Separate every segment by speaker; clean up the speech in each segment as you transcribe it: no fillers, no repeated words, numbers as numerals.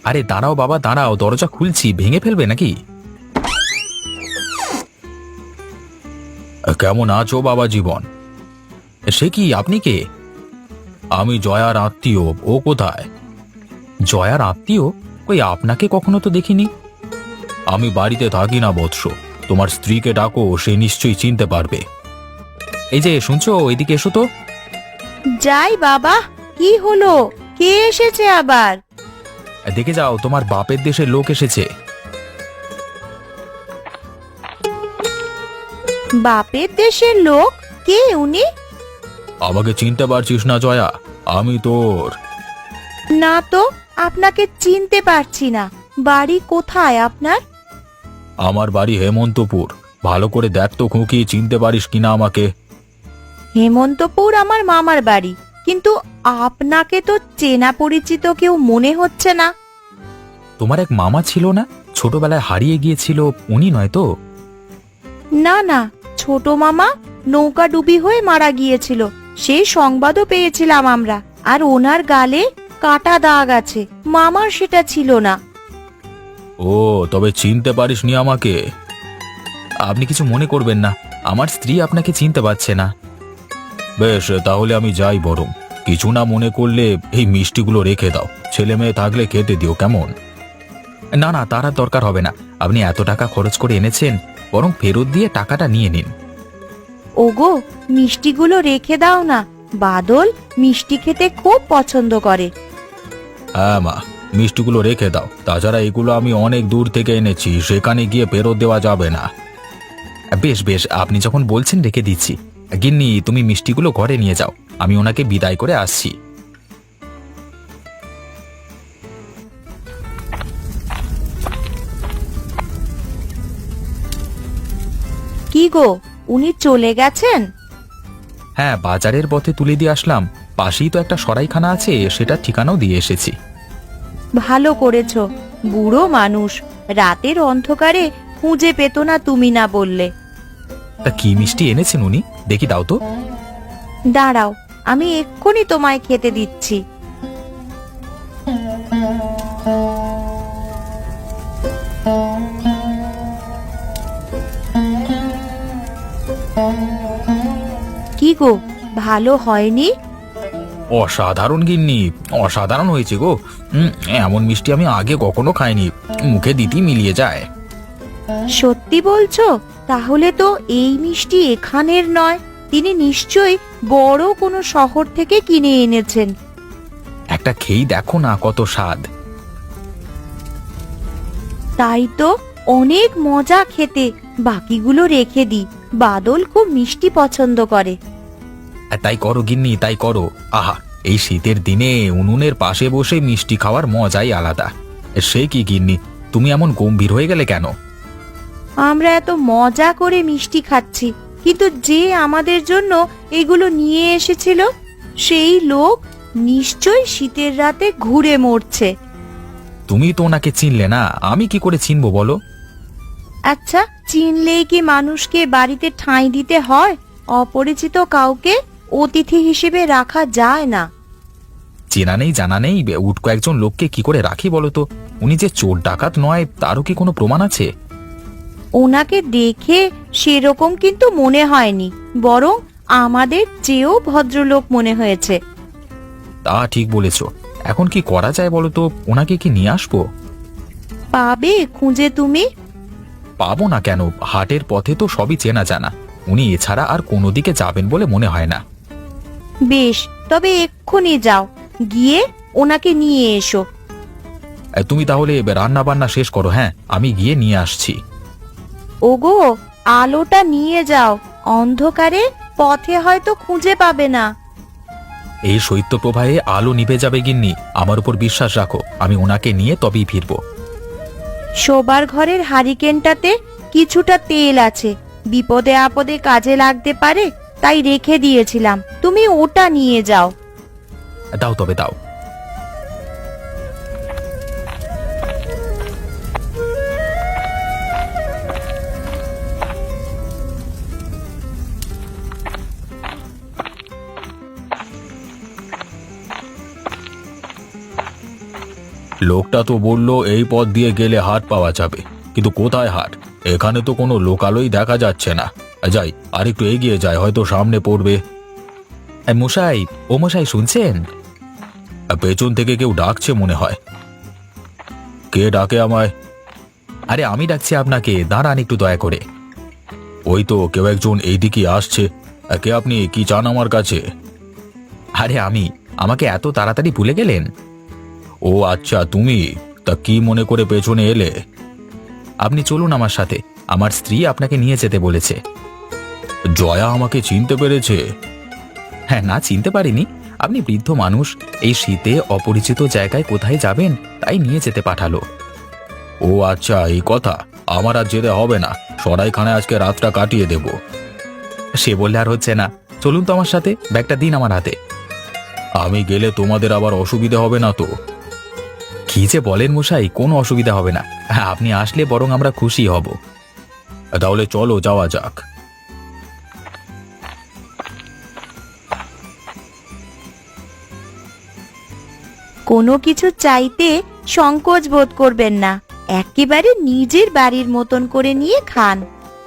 Speaker 1: আরে দাঁড়াও বাবা দাঁড়াও, দরজা খুলছি, ভেঙে ফেলবে নাকি? কেমন আছো বাবা জীবন? সে কি, আপনি কে? আমি জয়ার আত্মীয়। ও কোথায়? জয়ার আত্মীয়? কই আপনাকে কখনো তো দেখিনি। আমি বাড়িতে থাকি না বৎস, তোমার স্ত্রীকে ডাকো, সে নিশ্চয়ই চিনতে পারবে। এই যে শুনছো, এদিকে এসো তো।
Speaker 2: যাই বাবা, কি হলো? কে এসেছে আবার?
Speaker 1: দেখে যাও, তোমার বাপের দেশের লোক এসেছে।
Speaker 2: বাপের দেশের লোক? কে উনি?
Speaker 1: আমাকে চিনতে পারছিস না জয়া? আমি তোর।
Speaker 2: না তো, আপনাকে চিনতে পারছি না। বাড়ি কোথায় আপনার?
Speaker 1: আমার বাড়ি হেমন্তপুর। ভালো করে দেখ তো খুঁকি, চিনতে পারিস কিনা আমাকে।
Speaker 2: হেমন্তপুর আমার মামার বাড়ি, কিন্তু আপনাকে তো চেনা পরিচিত কেউ মনে হচ্ছে না।
Speaker 1: তোমার এক মামা ছিল না, ছোটবেলায় হারিয়ে গিয়েছিল, উনি নয় তো?
Speaker 2: না না, ছোট মামা নৌকা ডুবি হয়ে মারা গিয়েছিল, সেই সংবাদও পেয়েছিলাম আমরা। আর ওনার গালে কাটা দাগ আছে, মামার সেটা ছিল না।
Speaker 1: ও, তবে চিনতে পারিসনি আমাকে? আপনি কিছু মনে করবেন না, আমার স্ত্রী আপনাকে চিনতে পারছে না। বেশ, তাহলে আমি যাই। বরং কিছু না মনে করলে এই মিষ্টিগুলো রেখে দাও, ছেলে মেয়ে থাকলে খেতে দিও, কেমন? না না, তার আর দরকার হবে না। আপনি এত টাকা খরচ করে এনেছেন, বরং ফেরত দিয়ে টাকাটা নিয়ে নিন।
Speaker 2: ওগো, মিষ্টিগুলো রেখে দাও না, বাদল মিষ্টি খেতে খুব পছন্দ করে।
Speaker 1: হ্যাঁ মা, মিষ্টিগুলো রেখে দাও। তাছাড়া এগুলো আমি অনেক দূর থেকে এনেছি, সেখানে গিয়ে ফেরত দেওয়া যাবে না। বেশ বেশ, আপনি যখন বলছেন রেখে দিচ্ছি। গিন্নি, তুমি মিষ্টিগুলো ঘরে নিয়ে যাও, আমি ওনাকে বিদায় করে আসছি।
Speaker 2: কি গো, উনি চলে গেছেন?
Speaker 1: হ্যাঁ, বাজারের পথে তুলে দিয়ে আসলাম। পাশেই তো একটা সরাইখানা আছে, সেটা ঠিকানাও দিয়ে এসেছি।
Speaker 2: ভালো করেছো, বুড়ো মানুষ, রাতের অন্ধকারে খুঁজে পেত না তুমি না বললে।
Speaker 1: তা কি মিষ্টি এনেছেন উনি, দেখি দাও তো।
Speaker 2: দাঁড়াও, আমি এক্ষুনি তোমায় খেতে দিচ্ছি। কি গো, ভালো হয়নি?
Speaker 1: অসাধারণ গিন্নি, অসাধারণ হয়েছে গো। এমন মিষ্টি আমি আগে কখনো খাইনি, মুখে দিতেই মিলিয়ে যায়।
Speaker 2: সত্যি বলছো? তাহলে তো এই মিষ্টি এখানের নয়, তিনি নিশ্চয়ই বড় কোনো শহর থেকে কিনে এনেছেন।
Speaker 1: একটা খেয়েই দেখো না, কত স্বাদ।
Speaker 2: তাই তো, অনেক মজা খেতে। বাকিগুলো রেখে দিই, বাদল খুব মিষ্টি পছন্দ করে।
Speaker 1: তাই করো গিন্নি, তাই করো। আহা, এই শীতের দিনে উনুনের পাশে বসে মিষ্টি খাওয়ার মজাই আলাদা। সে কি গিন্নি, তুমি এমন গম্ভীর হয়ে গেলে কেন?
Speaker 2: আমরা এত মজা করে মিষ্টি খাচ্ছি, কিন্তু যে আমাদের জন্য এগুলো নিয়ে এসেছিল, সেই লোক নিশ্চয়ই শীতের রাতে ঘুরে মরছে।
Speaker 1: তুমি তো ওনাকে চিনলে না, আমি কি করে চিনবো বলো?
Speaker 2: আচ্ছা, চিনলেই কি মানুষকে বাড়িতে ঠাঁই দিতে হয়? অপরিচিত কাউকে অতিথি হিসেবে রাখা যায় না।
Speaker 1: চেনা নেই জানা নেই উটকো একজন লোককে কি করে রাখি বলো তো? উনি যে চোর ডাকাত নয়, তারও কি কোনো প্রমাণ আছে?
Speaker 2: ওনাকে দেখে সেরকম কিন্তু মনে হয়নি, বরং আমাদের চেয়েও ভদ্রলোক মনে হয়েছে।
Speaker 1: তা ঠিক বলেছ। এখন কি করা যায় বলো তো? ওনাকে কি নিয়ে আসবো?
Speaker 2: পাবে খুঁজে তুমি?
Speaker 1: পাবো না কেন, হাটের পথে তো সবই চেনা জানা। উনি এছাড়া আর কোনো দিকে যাবেন বলে মনে হয় না।
Speaker 2: বেশ, তবে এক্ষুনি যাও, গিয়ে ওনাকে নিয়ে এসো।
Speaker 1: তুমি তাহলে রান্না বান্না শেষ করো, হ্যাঁ আমি গিয়ে নিয়ে আসছি।
Speaker 2: ওগো, আলোটা নিয়ে যাও, অন্ধকারে পথে হয়তো খুঁজে পাবে না।
Speaker 1: এই শৈত্যপ্রবাহে আলো নিভে যাবে গিন্নি, আমার উপর বিশ্বাস রাখো, আমি ওনাকে নিয়ে তবেই ফিরবো।
Speaker 2: শোবার ঘরের হারিকেনটাতে কিছুটা তেল আছে, বিপদে আপদে কাজে লাগতে পারে, তাই রেখে দিয়েছিলাম, তুমি ওটা নিয়ে যাও।
Speaker 1: দাও তবে দাও। লোকটা তো বলল এই পথ দিয়ে গেলে হাট পাওয়া যাবে, কিন্তু কোথায় হাট? এখানে তো কোনো লোকালই দেখা যাচ্ছে না। যাই, আর একটু এগিয়ে যায়, হয়তো সামনে পড়বে। মশাই, ও মশাই শুনছেন? পেছন থেকে কেউ ডাকছে মনে হয়। কে ডাকে আমায়? আরে আমি ডাকছি আপনাকে, দাঁড়ান একটু দয়া করে। ওই তো কেউ একজন এইদিকে আসছে। কে আপনি? কি চান আমার কাছে? আরে আমি, আমাকে এত তাড়াতাড়ি ভুলে গেলেন? ও আচ্ছা, তুমি। তা কি মনে করে পেছনে এলে? আপনি চলুন আমার সাথে, আমার স্ত্রী আপনাকে নিয়ে যেতে বলেছে। জয়া আমাকে চিনতে পেরেছে? হ্যাঁ, না চিনতে পারিনি। আপনি বৃদ্ধ মানুষ, এই শীতে অপরিচিত জায়গায় কোথায় যাবেন, তাই নিয়ে যেতে পাঠালো। ও আচ্ছা, এই কথা। আমার আর যেতে হবে না, সরাইখানায় আজকে রাতটা কাটিয়ে দেব। সে বললে আর হচ্ছে না, চলুন তো আমার সাথে, ব্যাগটা দিন আমার হাতে। আমি গেলে তোমাদের আবার অসুবিধা হবে না তো? কি যে বলেন মশাই, কোনো অসুবিধা হবে না। আপনি আসলে বরং আমরা খুশি হব। তাহলে চলো, যাওয়া যাক।
Speaker 2: কোনো কিছু চাইতে সংকোচ বোধ করবেন না, একেবারে নিজের বাড়ির মতন করে নিয়ে খান।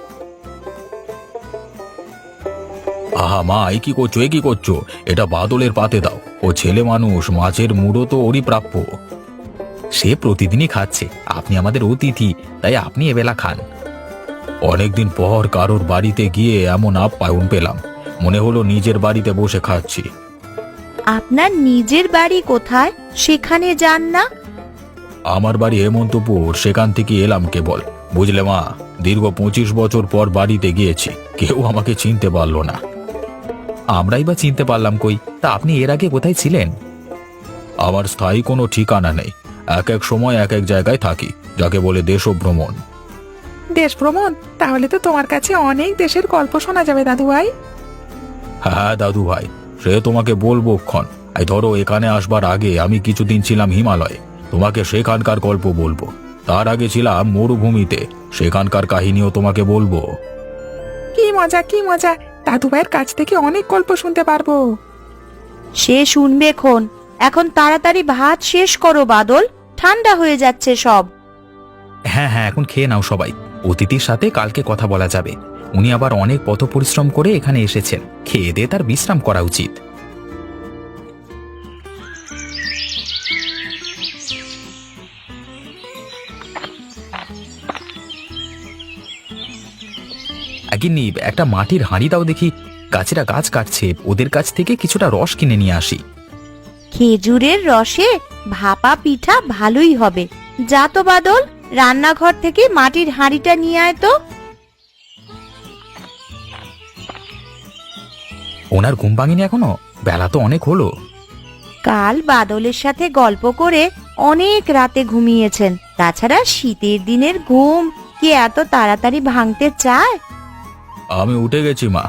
Speaker 1: আহা মা, এই কি করছো, কি করছো? এটা বাদলের পাতে দাও। ও ছেলে মানুষ, মাছের মুড়ো তো ওরই প্রাপ্য। সে প্রতিদিনই খাচ্ছে, আপনি আমাদের অতিথি, তাই আপনি এবেলা খান। অনেকদিন পর কারোর বাড়িতে গিয়ে এমন আপ্যায়ন পেলাম, মনে হলো নিজের বাড়িতে বসে খাচ্ছি।
Speaker 2: আপনার নিজের বাড়ি কোথায়, সেখানে যান না?
Speaker 1: আমার বাড়ি হেমন্তপুর, সেখান থেকে এলাম কেবল। বুঝলে মা, দীর্ঘ 25 বছর পর বাড়িতে গিয়েছি, কেউ আমাকে চিনতে পারলো না। আমরাই বা চিনতে পারলাম কই? তা আপনি এর আগে কোথায় ছিলেন? আমার স্থায়ী কোনো ঠিকানা নেই, এক এক সময় এক এক জায়গায় থাকি, যাকে বলে দেশভ্রমণ।
Speaker 3: দেশ ভ্রমণ? তাহলে তো তোমার কাছে অনেক দেশের গল্প শোনা যাবে দাদু ভাই।
Speaker 1: হ্যাঁ দাদু ভাই, সে তোমাকে বলবো ক্ষণ। এই ধরো, এখানে আসবার আগে আমি কিছুদিন ছিলাম হিমালয়ে, তোমাকে সেখানকার গল্প বলবো। তার আগে ছিলাম মরুভূমিতে, সেখানকার কাহিনীও তোমাকে বলবো।
Speaker 3: কি মজা, কি মজা! দাদু ভাইয়ের কাছ থেকে অনেক গল্প শুনতে পারবো।
Speaker 2: সে শুনবে খন, এখন তাড়াতাড়ি ভাত শেষ করো বাদল, ঠান্ডা হয়ে যাচ্ছে সব।
Speaker 1: হ্যাঁ হ্যাঁ, এখন খেয়ে নাও সবাই। অতিথির সাথে কালকে কথা বলা যাবে। উনি আবার অনেক পথ পরিশ্রম করে এখানে এসেছেন, খেয়ে দিয়ে তার বিশ্রাম করা উচিত। গিন্নি, একটা মাটির হাঁড়ি দাও দেখি। গাছেরা গাছ কাটছে, ওদের কাছ থেকে কিছুটা রস কিনে নিয়ে আসি।
Speaker 2: খেজুরের রসে ভাপা পিঠা ভালোই হবে। যা তো বাদল, রান্নাঘর থেকে মাটির হাঁড়িটা নিয়ে আয় তো।
Speaker 1: ওনার ঘুম ভাঙেনি এখনো? বেলা তো অনেক হলো।
Speaker 2: কাল বাদলের সাথে গল্প করে অনেক রাতে ঘুমিয়েছেন, তাছাড়া শীতের দিনের ঘুম কি এত তাড়াতাড়ি ভাঙতে চায়?
Speaker 1: আমি উঠে গেছি মা।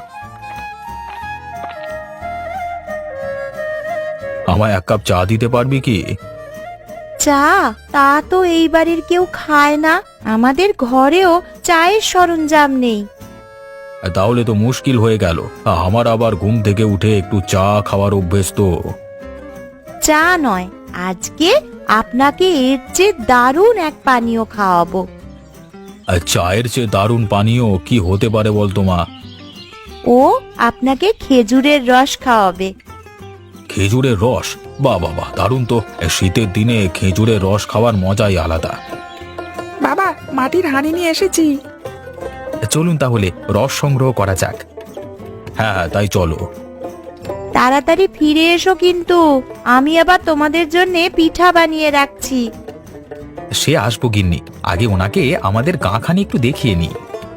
Speaker 1: আমায় এক কাপ চা দিতে পারবি কি?
Speaker 2: চা? তা তো এই বাড়ির কেউ খায় না, আমাদের ঘরেও চায়ের সরঞ্জাম নেই।
Speaker 1: তাহলে তো মুশকিল হয়ে গেল। আমার আবার ঘুম থেকে উঠে একটু চা খাওয়ার অভ্যেস তো।
Speaker 2: চা নয়, আজকে আপনাকে এর চেয়ে দারুণ এক পানীয় খাওয়াবো।
Speaker 1: আর চায়ের চেয়ে দারুণ পানীয় কি হতে পারে বলতো মা?
Speaker 2: ও আপনাকে খেজুরের রস খাওয়াবে।
Speaker 1: খেজুরের রস? বাহ বাহ বাহ, দারুণ তো। শীতের দিনে খেজুরের রস খাওয়ার মজাই আলাদা।
Speaker 3: বাবা, মাটির হাঁড়ি নিয়ে এসেছি।
Speaker 1: চলুন তাহলে রস সংগ্রহ করা যাক। হ্যাঁ হ্যাঁ, তাই চলো।
Speaker 2: তাড়াতাড়ি ফিরে এসো কিন্তু, আমি আবার তোমাদের জন্য পিঠা বানিয়ে রাখছি।
Speaker 1: সে আসবো গিন্নি, আগে ওনাকে আমাদের গাঁখানি একটু দেখিয়ে নি।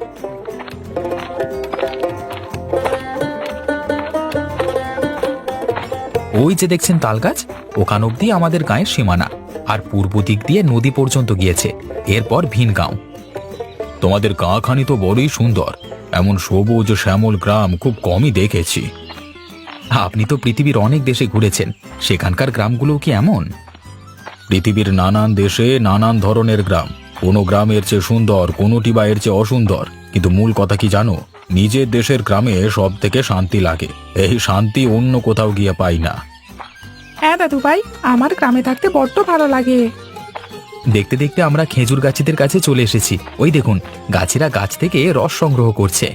Speaker 1: ওই যে দেখছেন তাল গাছ, ওখান অব্দি আমাদের গাঁয়ের সীমানা, আর পূর্ব দিক দিয়ে নদী পর্যন্ত গিয়েছে, এরপর ভিনগাঁও। তোমাদের গাঁখানি তো বড়ই সুন্দর, এমন সবুজ শ্যামল গ্রাম খুব কমই দেখেছি। আপনি তো পৃথিবীর অনেক দেশে ঘুরেছেন, সেখানকার গ্রামগুলো কি এমন? পৃথিবীর নানান দেশে নানান ধরনের গ্রাম, কোনো গ্রামের চেয়ে সুন্দর, কোনোটি বা এর চেয়ে অসুন্দর, কিন্তু মূল কথা কি জানো? নিজের দেশের গ্রামে সব থেকে শান্তি লাগে, এই শান্তি অন্য কোথাও গিয়ে পাই না।
Speaker 3: হ্যাঁ দাদু ভাই, আমার গ্রামে থাকতে বড্ড ভালো লাগে।
Speaker 1: দেখতে দেখতে আমরা খেজুর গাছিদের কাছে চলে এসেছি। ওই দেখুন, গাছিরা গাছ থেকে রস সংগ্রহ করছে।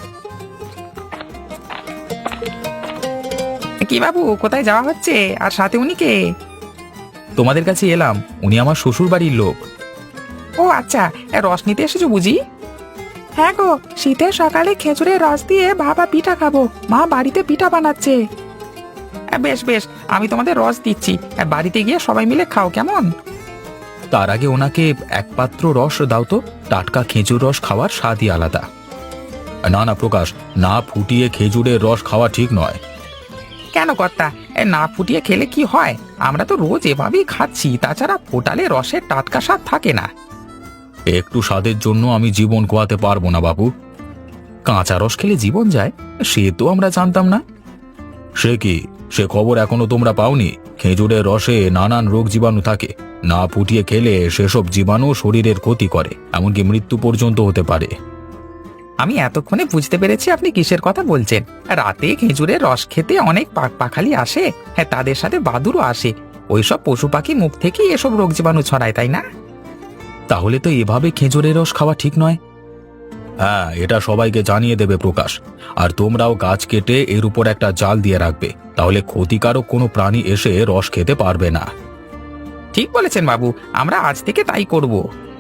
Speaker 3: কি বাবু, কোথায় যাওয়া হচ্ছে? আর সাথে উনি কে?
Speaker 1: তোমাদের কাছে এলাম, উনি আমার শ্বশুর বাড়ির লোক।
Speaker 3: ও আচ্ছা, রস নিতে এসেছো বুঝি? হ্যাঁ গো, শীতের সকালে খেজুরের রস দিয়ে ভাপা পিঠা খাবো। মা বাড়িতে পিঠা বানাচ্ছে। বেশ বেশ, আমি তোমাদের রস দিচ্ছি, বাড়িতে গিয়ে সবাই মিলে খাও, কেমন?
Speaker 1: তার আগে ওনাকে এক পাত্র রস দাও তো। টাটকা খেজুর রস খাওয়ার স্বাদই আলাদা। না না প্রকাশ, না ফুটিয়ে খেজুরের রস খাওয়া ঠিক নয়।
Speaker 3: কেন কর্তা, না ফুটিয়ে খেলে কি হয়? আমরা তো রোজ এভাবেই খাচ্ছি, তাছাড়া ফোটালে রসের টাটকা স্বাদ থাকে না।
Speaker 1: একটু স্বাদের জন্য আমি জীবন খোয়াতে পারবো না বাবু। কাঁচা রস খেলে জীবন যায়, সে তো আমরা জানতাম না। সে কি, সে খবর এখনো তোমরা পাওনি? খেজুরের রসে নানান রোগ জীবাণু থাকে, না ফুটিয়ে খেলে সেসব জীবাণু শরীরের ক্ষতি করে, এমনকি মৃত্যু পর্যন্ত হতে পারে।
Speaker 3: আমি এতক্ষণে বুঝতে পেরেছি আপনি কিসের কথা বলছেন। রাতে খেজুরের রস খেতে অনেক পাখালি আসে, হ্যাঁ তাদের সাথে বাদুড়ও আসে। ওইসব পশু পাখি মুখ থেকেই এসব রোগ জীবাণু ছড়ায়, তাই না?
Speaker 1: তাহলে তো এভাবে খেজুরের রস খাওয়া ঠিক নয়। হ্যাঁ, এটা সবাইকে জানিয়ে দেবে প্রকাশ। আর তোমরাও গাছ কেটে এর উপর একটা জাল দিয়ে রাখবে, তাহলে ক্ষতিকারক কোনো প্রাণী এসে রস খেতে পারবে না।
Speaker 3: ঠিক বলেছেন বাবু, আমরা আজ থেকে তাই করব।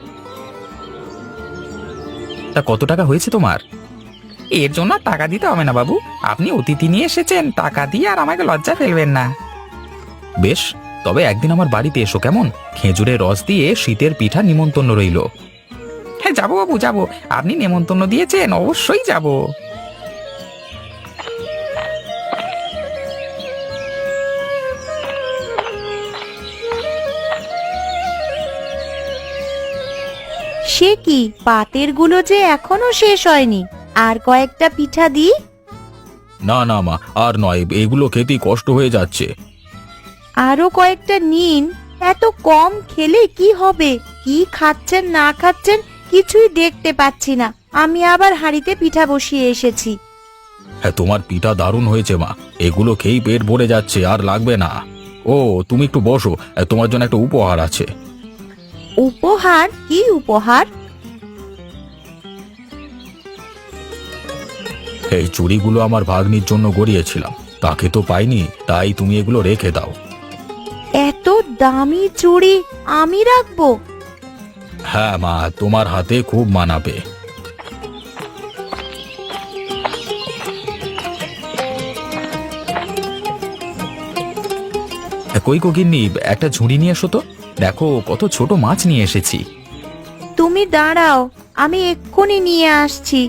Speaker 1: তা কত টাকা হয়েছে তোমার?
Speaker 3: এর জন্য আর টাকা দিতে হবে না বাবু, আপনি অতিথি নিয়ে এসেছেন, টাকা দিয়ে আর আমাকে লজ্জা ফেলবেন না।
Speaker 1: বেশ, তবে একদিন আমার বাড়িতে এসো, কেমন? খেজুরের রস দিয়ে শীতের পিঠা নিমন্ত্রণ রইল।
Speaker 3: হ্যাঁ যাবো বাবু যাবো, আপনি নেমন্তন্ন দিয়েছেন, অবশ্যই যাব।
Speaker 2: সে কি, পাতের গুলো যে এখনো শেষ হয়নি। আর কয়েকটা পিঠা দিই?
Speaker 1: না না মা, আর নয়, এগুলো খেতেই কষ্ট হয়ে যাচ্ছে।
Speaker 2: আরো কয়েকটা নিন। এত কম খেলে কি হবে? কি খাচ্ছেন না খাচ্ছেন কিছুই দেখতে পাচ্ছি না। আমি আবার হাঁড়িতে পিঠা বসিয়ে এসেছি।
Speaker 1: হ্যাঁ, তোমার পিঠা দারুণ হয়েছে মা, এগুলো খেয়েই পেট ভরে যাচ্ছে, আর লাগবে না। ও, তুমি একটু বসো, তোমার জন্য একটা উপহার আছে।
Speaker 2: উপহার? কি উপহার?
Speaker 1: এই চুড়িগুলো আমার ভাগ্নির জন্য গড়িয়েছিলাম, তাকে তো পাইনি, তাই তুমি এগুলো রেখে দাও।
Speaker 2: এত দামি চুড়ি আমি রাখবো?
Speaker 1: হ্যাঁ মা, তোমার হাতে খুব মানাবে। কই গো গিন্নি, একটা ঝুড়ি নিয়ে এসো তো। দেখো কত ছোট মাছ নিয়ে এসেছি।
Speaker 2: তুমি দাঁড়াও, আমি এক্ষুনি নিয়ে আসছি।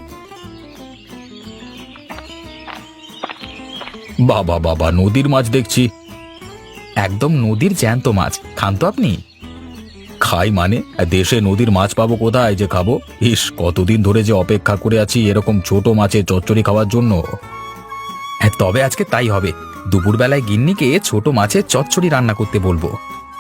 Speaker 1: বাবা বাবা, নদীর মাছ দেখছি। একদম নদীর জ্যান্ত মাছ, খান তো আপনি? খাই মানে, দেশে নদীর মাছ পাবো কোথায় যে খাবো? ইস, কতদিন ধরে যে অপেক্ষা করে আছি এরকম ছোট মাছের চচ্চড়ি খাওয়ার জন্য। হ্যাঁ, তবে আজকে তাই হবে। দুপুরবেলায় গিন্নিকে ছোট মাছের চচ্চড়ি রান্না করতে বলবো।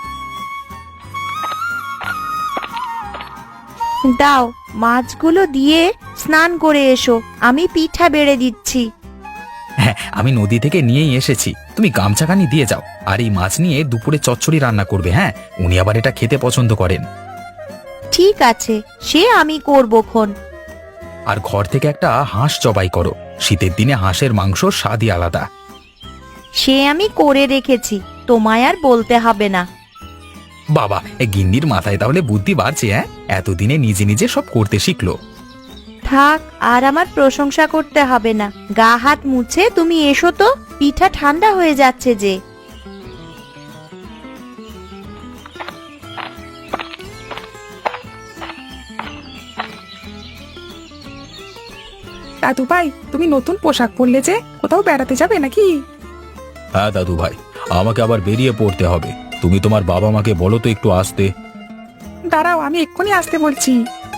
Speaker 2: দাও, মাছগুলো দিয়ে স্নান করে এসো, আমি পিঠা বেড়ে দিচ্ছি।
Speaker 1: হ্যাঁ, আমি নদী থেকে নিয়েই এসেছি, তুমি গামছাখানি দিয়ে যাও। আর এই মাছ নিয়ে দুপুরে চচ্চড়ি রান্না করবে। হ্যাঁ, উনি আবার এটা খেতে পছন্দ করেন।
Speaker 2: ঠিক আছে, সে আমি করবক্ষণ।
Speaker 1: আর ঘর থেকে একটা হাঁস জবাই করো, শীতের দিনে হাঁসের মাংস স্বাদই আলাদা।
Speaker 2: সে আমি করে রেখেছি, তোমায় আর বলতে হবে না।
Speaker 1: বাবা, গিন্নির মাথায় তাহলে বুদ্ধি বাড়ছে। হ্যাঁ, এতদিনে নিজে নিজে সব করতে শিখলো।
Speaker 2: থাক, আর আমার প্রশংসা করতে হবে না। গা হাত মুছে তুমি এসো তো, পিঠা ঠান্ডা হয়ে যাচ্ছে যে।
Speaker 3: দাদু ভাই, তুমি নতুন পোশাক পরলে যে, কোথাও বেড়াতে যাবে নাকি?
Speaker 1: হ্যাঁ দাদু ভাই, আমাকে আবার বেরিয়ে পড়তে হবে। তুমি তোমার বাবা মাকে বলো তো একটু আসতে।
Speaker 3: দাঁড়াও, আমি এক্ষুনি আসতে বলছি।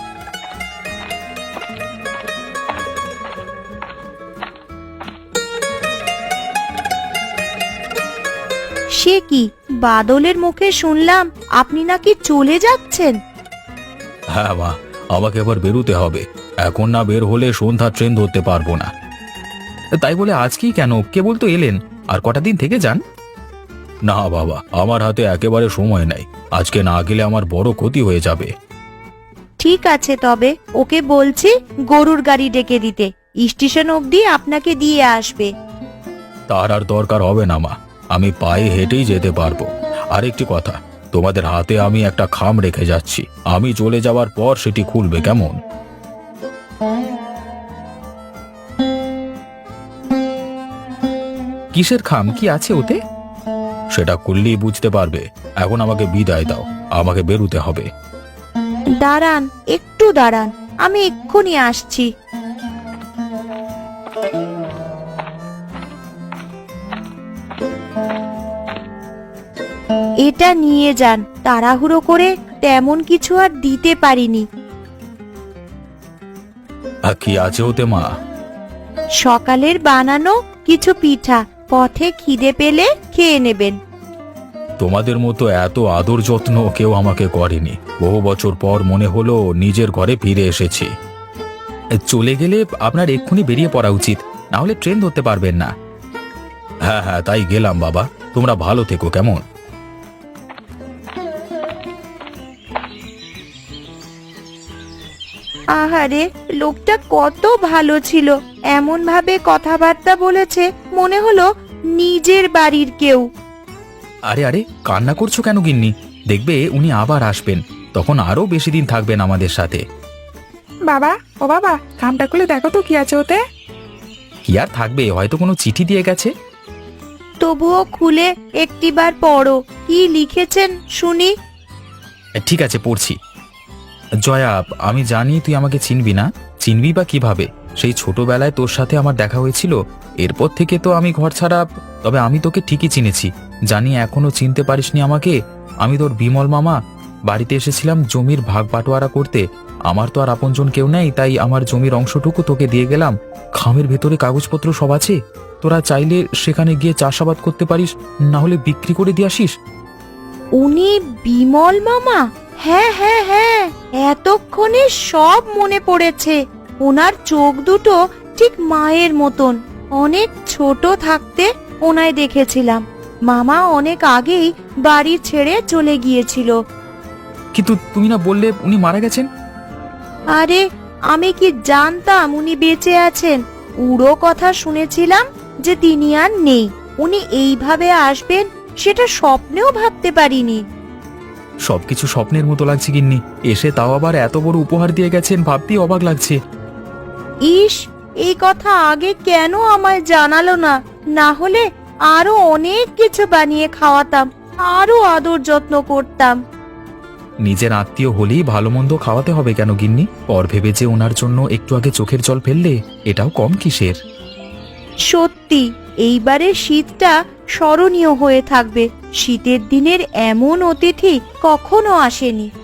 Speaker 2: সে কি, বাদলের মুখে শুনলাম আপনি নাকি চলে যাচ্ছেন?
Speaker 1: হ্যাঁ মা, আমাকে আবার বেরোতে হবে। এখন না বের হলে সন্ধ্যা ট্রেন ধরতে পারবো না। তাই বলে আজকেই কেন, কেবল তো এলেন, আর কটা দিন থেকে যান। না বাবা, আমার হাতে একেবারে সময় নেই। আজকে না গেলে আমার বড় ক্ষতি হয়ে যাবে।
Speaker 2: ঠিক আছে, তবে ওকে বলছি গরুর গাড়ি ডেকে দিতে, স্টেশন অবধি আপনাকে দিয়ে আসবে।
Speaker 1: তার আর দরকার হবে না মা, আমি পায়ে হেঁটেই যেতে পারবো। আরেকটি কথা, তোমাদের হাতে আমি একটা খাম রেখে যাচ্ছি, আমি চলে যাওয়ার পর সেটি খুলবে, কেমন? কিসের খাম? কি আছে ওতে? সেটা খুললেই বুঝতে পারবে। এখন আমাকে বিদায় দাও, আমাকে বেরুতে হবে।
Speaker 2: দাঁড়ান, একটু দাঁড়ান, আমি এক্ষুনি আসছি। এটা নিয়ে যান, তাড়াহুড়ো করে তেমন কিছু আর দিতে পারিনি।
Speaker 1: কি আছে ওতে মা?
Speaker 2: সকালের বানানো কিছু পিঠা, পথে খিদে পেলে খেয়ে নেবেন।
Speaker 1: তোমাদের মতো এত আদর যত্ন কেউ আমাকে করেনি। বহু বছর পর মনে হলো নিজের ঘরে ফিরে এসেছি। চলে গেলে আপনার এক্ষুনি বেরিয়ে পড়া উচিত, না হলে ট্রেন ধরতে পারবেন না। হ্যাঁ হ্যাঁ, তাই গেলাম বাবা, তোমরা ভালো থেকো, কেমন?
Speaker 2: আহারে, লোকটা কত ভালো ছিল, এমন ভাবে কথাবার্তা বলেছে মনে হলো নিজের বাড়ির কেউ।
Speaker 1: আরে আরে, কান্না করছো কেন গিন্নি? দেখবে উনি আবার আসবেন, তখন আরো বেশি দিন থাকবেন আমাদের সাথে।
Speaker 3: বাবা, ও বাবা, খামটা খুলে দেখো তো কি আছে ওতে।
Speaker 1: কি আর থাকবে, হয়তো কোনো চিঠি দিয়ে গেছে।
Speaker 2: তবুও খুলে একটিবার পড়ো, কি লিখেছেন শুনি।
Speaker 1: ঠিক আছে, পড়ছি। জয়া, আমি জানি তুই আমাকে চিনবি না, চিনবি বা কিভাবে? সেই ছোটবেলায় তোর সাথে আমার দেখা হয়েছিল, এরপর থেকে তো আমি ঘর ছাড়া। তবে আমি তোকে ঠিকই চিনেছি, জানি এখনো চিনতে পারিসনি আমাকে। আমি তোর বিমল মামা, বাড়িতে এসেছিলাম জমির ভাগ বাটোয়ারা করতে। আমার তো আর আপনজন কেউ নেই, তাই আমার জমির অংশটুকু তোকে দিয়ে গেলাম। খামের ভেতরে কাগজপত্র সব আছে, তোরা চাইলে সেখানে গিয়ে চাষাবাদ করতে পারিস, না হলে বিক্রি করে দিয়ে আসিস।
Speaker 2: উনি বিমল মামা? হ্যাঁ হ্যাঁ হ্যাঁ, এতক্ষণে সব মনে পড়েছে। ওনার চোখ দুটো ঠিক মায়ের মতন। অনেক ছোট থাকতে ওনায় দেখেছিলাম। মামা অনেক আগেই বাড়ি ছেড়ে চলে গিয়েছিল।
Speaker 1: কিন্তু তুমি না বললে উনি মারা গেছেন?
Speaker 2: আরে, আমি কি জানতাম উনি বেঁচে আছেন? উড়ো কথা শুনেছিলাম যে তিনি আর নেই। উনি এইভাবে আসবেন সেটা স্বপ্নেও ভাবতে পারিনি।
Speaker 1: সবকিছু স্বপ্নের মতো লাগছে গিন্নি, এসে তাও আবার এত বড় উপহার দিয়ে গেছেন, ভাবতেই অবাক লাগছে।
Speaker 2: ইস, এই কথা আগে কেন আমায় জানালো না? না হলে আরো অনেক কিছু বানিয়ে খাওয়াতাম, আরো আদর যত্ন করতাম।
Speaker 1: নিজের আত্মীয় হলেই ভালো মন্দ খাওয়াতে হবে কেন গিন্নি? পর ভেবে যে ওনার জন্য একটু আগে চোখের জল ফেললে, এটাও কম কিসের?
Speaker 2: সত্যি, এইবারে শীতটা স্মরণীয় হয়ে থাকবে। শীতের দিনের এমন অতিথি কখনো আসেনি।